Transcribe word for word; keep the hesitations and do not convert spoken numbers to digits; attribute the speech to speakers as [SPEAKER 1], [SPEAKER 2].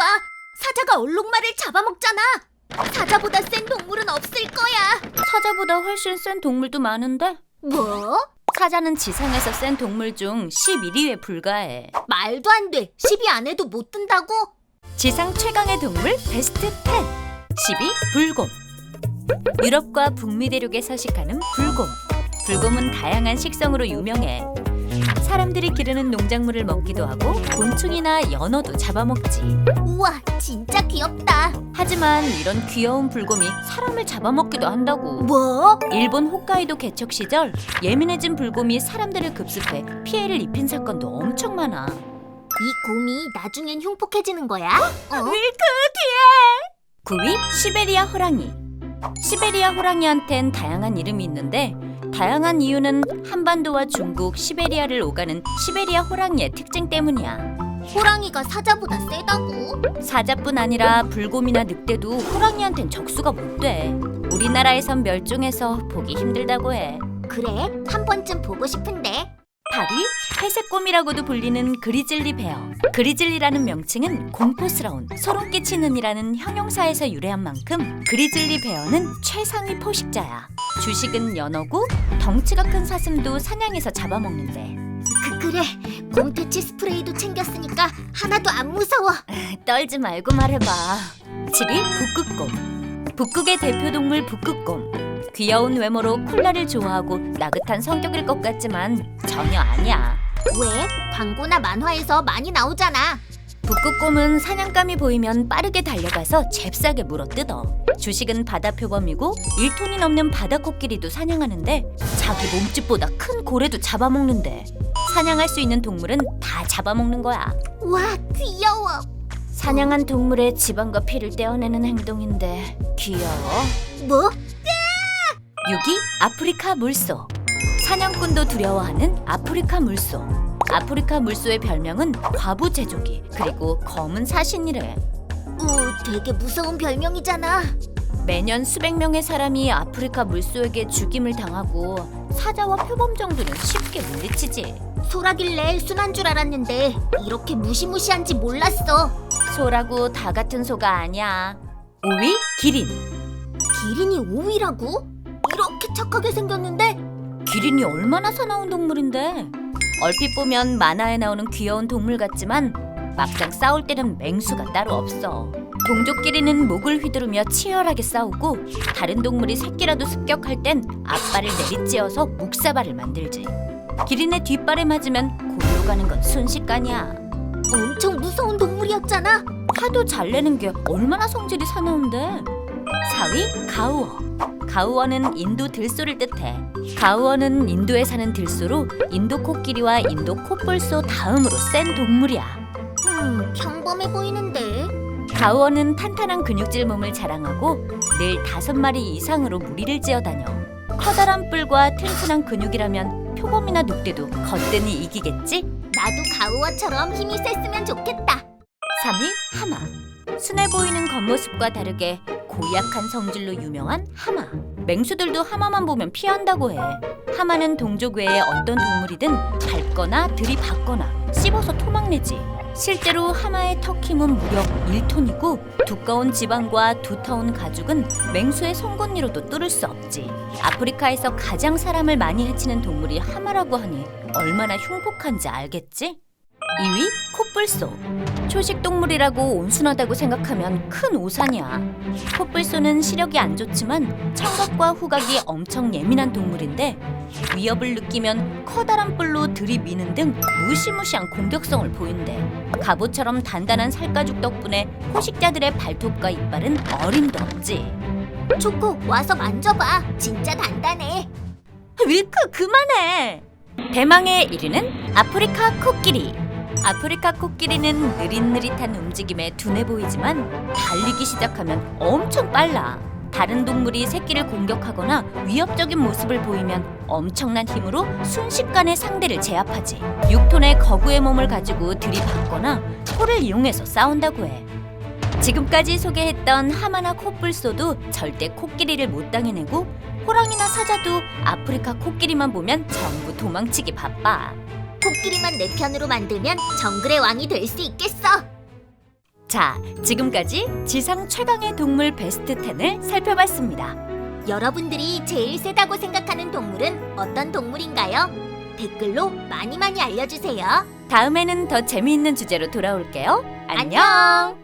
[SPEAKER 1] 봐! 사자가 얼룩말을 잡아먹잖아! 사자보다 센 동물은 없을 거야!
[SPEAKER 2] 사자보다 훨씬 센 동물도 많은데?
[SPEAKER 1] 뭐?
[SPEAKER 2] 사자는 지상에서 센 동물 중 십일 위에 불과해.
[SPEAKER 1] 말도 안 돼! 십 위 안에도 못 든다고?
[SPEAKER 2] 지상 최강의 동물 베스트 십. 십 위 불곰. 유럽과 북미 대륙에 서식하는 불곰. 불곰은 다양한 식성으로 유명해. 사람들이 기르는 농작물을 먹기도 하고 곤충이나 연어도 잡아먹지.
[SPEAKER 1] 우와, 진짜 귀엽다!
[SPEAKER 2] 하지만 이런 귀여운 불곰이 사람을 잡아먹기도 한다고.
[SPEAKER 1] 뭐?
[SPEAKER 2] 일본 호카이도 개척 시절 예민해진 불곰이 사람들을 급습해 피해를 입힌 사건도 엄청 많아.
[SPEAKER 1] 이 곰이 나중엔 흉폭해지는 거야? 어?
[SPEAKER 2] 밀크 뒤에! 구 위 시베리아 호랑이. 시베리아 호랑이한텐 다양한 이름이 있는데 다양한 이유는 한반도와 중국, 시베리아를 오가는 시베리아 호랑이의 특징 때문이야.
[SPEAKER 1] 호랑이가 사자보다 세다고?
[SPEAKER 2] 사자뿐 아니라 불곰이나 늑대도 호랑이한텐 적수가 못 돼. 우리나라에선 멸종해서 보기 힘들다고 해.
[SPEAKER 1] 그래? 한 번쯤 보고 싶은데.
[SPEAKER 2] 팔 위 회색곰이라고도 불리는 그리즐리 베어. 그리즐리라는 명칭은 공포스러운, 소름 끼치는 이라는 형용사에서 유래한 만큼 그리즐리 베어는 최상위 포식자야. 주식은 연어고 덩치가 큰 사슴도 사냥해서 잡아먹는데.
[SPEAKER 1] 그, 그래. 곰퇴치 스프레이도 챙겼으니까 하나도 안 무서워.
[SPEAKER 2] 떨지 말고 말해봐. 칠 위 북극곰. 북극의 대표 동물 북극곰. 귀여운 외모로 콜라를 좋아하고 나긋한 성격일 것 같지만 전혀 아니야.
[SPEAKER 1] 왜? 광고나 만화에서 많이 나오잖아.
[SPEAKER 2] 북극곰은 사냥감이 보이면 빠르게 달려가서 잽싸게 물어뜯어. 주식은 바다 표범이고 일 톤이 넘는 바다코끼리도 사냥하는데 자기 몸집보다 큰 고래도 잡아먹는데 사냥할 수 있는 동물은 다 잡아먹는 거야.
[SPEAKER 1] 와, 귀여워.
[SPEAKER 2] 사냥한 동물의 지방과 피를 떼어내는 행동인데 귀여워.
[SPEAKER 1] 뭐?
[SPEAKER 2] 육 위 아프리카 물소. 사냥꾼도 두려워하는 아프리카 물소. 아프리카 물소의 별명은 과부 제조기 그리고 검은 사신이래.
[SPEAKER 1] 오, 되게 무서운 별명이잖아.
[SPEAKER 2] 매년 수백 명의 사람이 아프리카 물소에게 죽임을 당하고 사자와 표범 정도는 쉽게 물리치지.
[SPEAKER 1] 소라길래 순한 줄 알았는데 이렇게 무시무시한지 몰랐어.
[SPEAKER 2] 소라고 다 같은 소가 아니야. 오 위 기린.
[SPEAKER 1] 기린이 오 위라고? 이렇게 착하게 생겼는데?
[SPEAKER 2] 기린이 얼마나 사나운 동물인데. 얼핏 보면 만화에 나오는 귀여운 동물 같지만 막상 싸울 때는 맹수가 따로 없어. 동족끼리는 목을 휘두르며 치열하게 싸우고 다른 동물이 새끼라도 습격할 땐 앞발을 내리찧어서 묵사발을 만들지. 기린의 뒷발에 맞으면 골로 가는 건 순식간이야.
[SPEAKER 1] 엄청 무서운 동물이었잖아.
[SPEAKER 2] 화도 잘 내는 게 얼마나 성질이 사나운데. 사 위 가우어. 가우어는 인도 들소를 뜻해. 가우어는 인도에 사는 들소로 인도 코끼리와 인도 코뿔소 다음으로 센 동물이야.
[SPEAKER 1] 음, 평범해 보이는데.
[SPEAKER 2] 가우어는 탄탄한 근육질 몸을 자랑하고 늘 다섯 마리 이상으로 무리를 지어다녀. 커다란 뿔과 튼튼한 근육이라면 표범이나 늑대도 거뜬히 이기겠지?
[SPEAKER 1] 나도 가우어처럼 힘이 셌으면 좋겠다.
[SPEAKER 2] 삼 위 하마. 순해 보이는 겉모습과 다르게 고약한 성질로 유명한 하마. 맹수들도 하마만 보면 피한다고 해. 하마는 동족 외에 어떤 동물이든 밟거나 들이받거나 씹어서 토막내지. 실제로 하마의 턱 힘은 무려 일 톤이고 두꺼운 지방과 두터운 가죽은 맹수의 송곳니로도 뚫을 수 없지. 아프리카에서 가장 사람을 많이 해치는 동물이 하마라고 하니 얼마나 흉폭한지 알겠지? 이 위 코뿔소. 초식동물이라고 온순하다고 생각하면 큰 오산이야. 코뿔소는 시력이 안 좋지만 청각과 후각이 엄청 예민한 동물인데 위협을 느끼면 커다란 뿔로 들이미는 등 무시무시한 공격성을 보인대. 갑옷처럼 단단한 살가죽 덕분에 포식자들의 발톱과 이빨은 어림도 없지.
[SPEAKER 1] 초코, 와서 만져봐. 진짜 단단해.
[SPEAKER 2] 윌크 그만해. 대망의 일 위는 아프리카 코끼리. 아프리카 코끼리는 느릿느릿한 움직임에 둔해 보이지만 달리기 시작하면 엄청 빨라. 다른 동물이 새끼를 공격하거나 위협적인 모습을 보이면 엄청난 힘으로 순식간에 상대를 제압하지. 육 톤의 거구의 몸을 가지고 들이받거나 코를 이용해서 싸운다고 해. 지금까지 소개했던 하마나 코뿔소도 절대 코끼리를 못 당해내고 호랑이나 사자도 아프리카 코끼리만 보면 전부 도망치기 바빠.
[SPEAKER 1] 코끼리만 내 편으로 만들면 정글의 왕이 될 수 있겠어.
[SPEAKER 2] 자, 지금까지 지상 최강의 동물 베스트 텐을 살펴봤습니다.
[SPEAKER 1] 여러분들이 제일 세다고 생각하는 동물은 어떤 동물인가요? 댓글로 많이 많이 알려주세요.
[SPEAKER 2] 다음에는 더 재미있는 주제로 돌아올게요. 안녕!
[SPEAKER 1] 안녕.